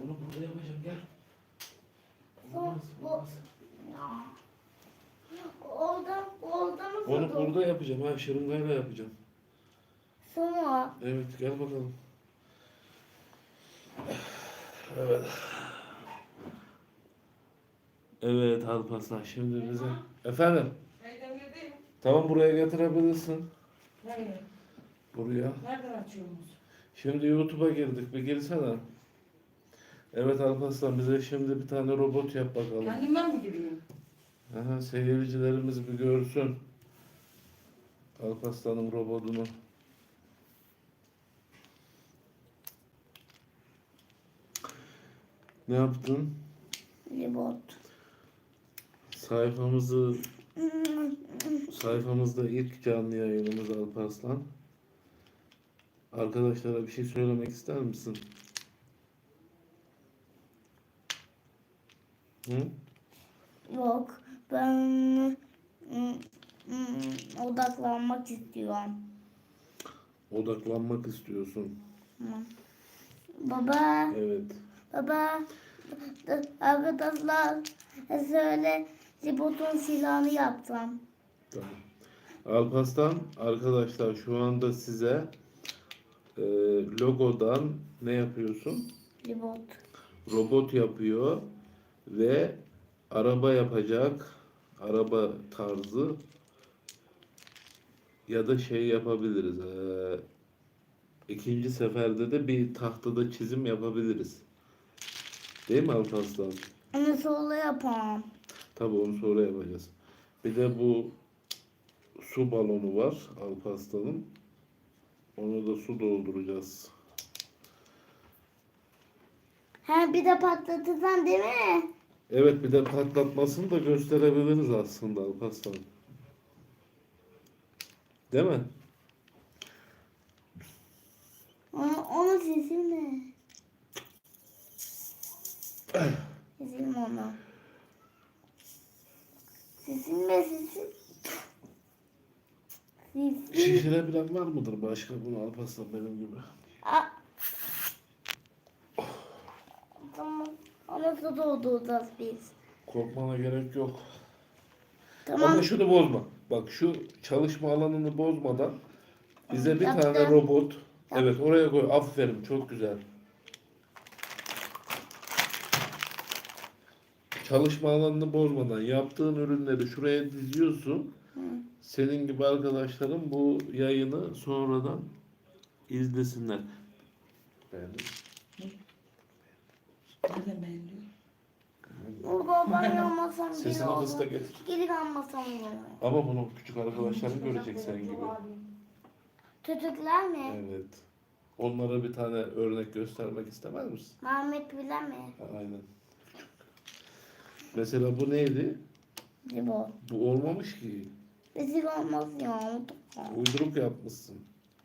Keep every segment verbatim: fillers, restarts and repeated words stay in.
Bunu burada yapacağım, gel. Olmaz, olmaz. Orada, orada mı Onu buldun? burada yapacağım, ha şırıngayla yapacağım. Sonra. Evet, gel bakalım. Evet. Evet Alparslan, şimdi bize... Efendim? Eydemir'deyim. Tamam, buraya getirebilirsin. Nereye? Buraya. Nereden açıyorsunuz? Şimdi YouTube'a girdik, bir girsene. Evet Alparslan, bize şimdi bir tane robot yap bakalım. Kendimden mi gireyim? Aha, seyircilerimiz bir görsün Alparslan'ın robotunu. Ne yaptın? Libot. Sayfamızı sayfamızda ilk canlı yayınımız Alparslan. Arkadaşlara bir şey söylemek ister misin? Hı? Yok. Ben mm, mm, odaklanmak istiyorum. Odaklanmak istiyorsun. Tamam. Baba, Evet. baba, arkadaşlar söyle Libot'un silahını yaptım. Tamam. Alparslan arkadaşlar şu anda size e, logodan ne yapıyorsun? Libot. Robot yapıyor ve araba yapacak. Araba tarzı ya da şey yapabiliriz. E, ikinci seferde de bir tahtada çizim yapabiliriz. Değil mi Alparslan? Onu sonra yapalım. Tabii onu sonra yapacağız. Bir de bu su balonu var Alparslan'ın. Onu da su dolduracağız. Ha bir de patlatırsan değil mi? Evet, bir de patlatmasını da gösterebiliriz aslında Alparslan. Değil mi? Onu, onu silme. Silme onu. Silme silsin. Silsin. Şişirebilen var mıdır başka bunu Alparslan benim gibi? Aa. Tamam. Onu su dolduracağız biz. Korkmana gerek yok. Tamam. Ama şunu bozma. Bak şu çalışma alanını bozmadan bize bir Yaptım. tane robot. Evet, oraya koy. Aferin, çok güzel. Çalışma alanını bozmadan yaptığın ürünleri şuraya diziyorsun. Hı. Senin gibi arkadaşların bu yayını sonradan izlesinler. Beğendin mi? Nereden beğeniliyor? Burada ben yapmasam bile Sesini olur. kıs da getir. Geri kalmasam bile olur. Ama bunu küçük arkadaşların görecek sen gibi. Çocuklar mı? Evet. Onlara bir tane örnek göstermek istemez misin? Mehmet bile mi? Aynen. Mesela bu neydi? Libot. Bu olmamış ki. Rezil olmaz ya. Uyduruk yapmışsın.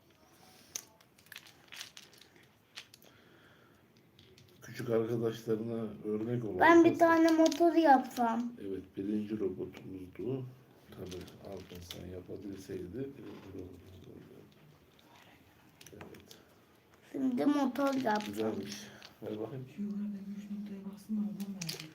Küçük arkadaşlarına örnek ol. Ben bir Alparslan. tane motor yapsam. Evet, birinci robotumuzdu. Tabii Alparslan yapabilseydi birinci robotumuzdu. Evet. Şimdi motor yapsam. Güzelmiş. Ver bakayım. Şu yukarıda üç noktaya bassın da oradan verdim.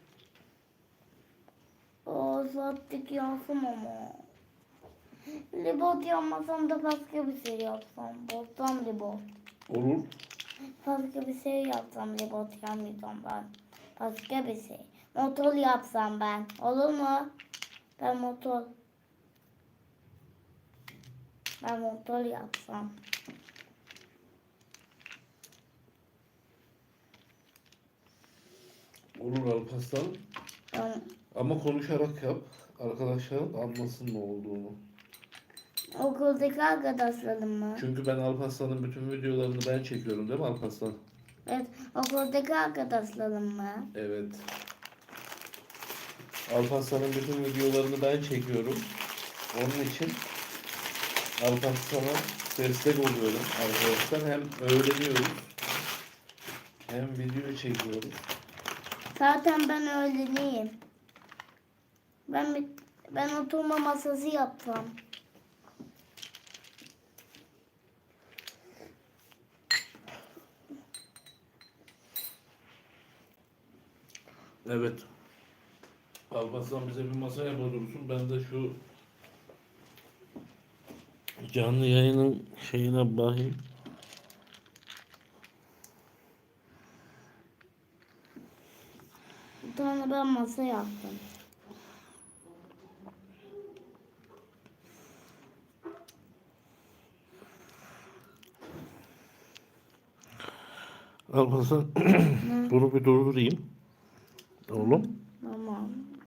O sattık yansım ama. Libot yapmasam da başka bir şey yapsam. Bozsam libot. Olur. Başka bir şey yapsam libot yapmayacağım ben. Başka bir şey. Motor yapsam ben. Olur mu? Ben motor. Ben motor yapsam. Olur Alparslan. Ben Ama konuşarak yap. Arkadaşların anlasın ne olduğunu. okuldaki arkadaşlarım mı? Çünkü ben Alparslan'ın bütün videolarını ben çekiyorum değil mi Alparslan? Evet, okuldaki arkadaşlarım mı? Evet. Alparslan'ın bütün videolarını ben çekiyorum. Onun için Alparslan'a destek oluyorum arkadaşlar. Hem öğreniyoruz hem video çekiyoruz. Zaten ben öğleneyim. Ben bir, ben oturma masası yapsam. Evet. Alparslan bize bir masa yapıyorsun. Ben de şu canlı yayının şeyine bakayım. Bir tane ben masa yaptım. Alparslan Ne? bunu bir durdurayım. Oğlum.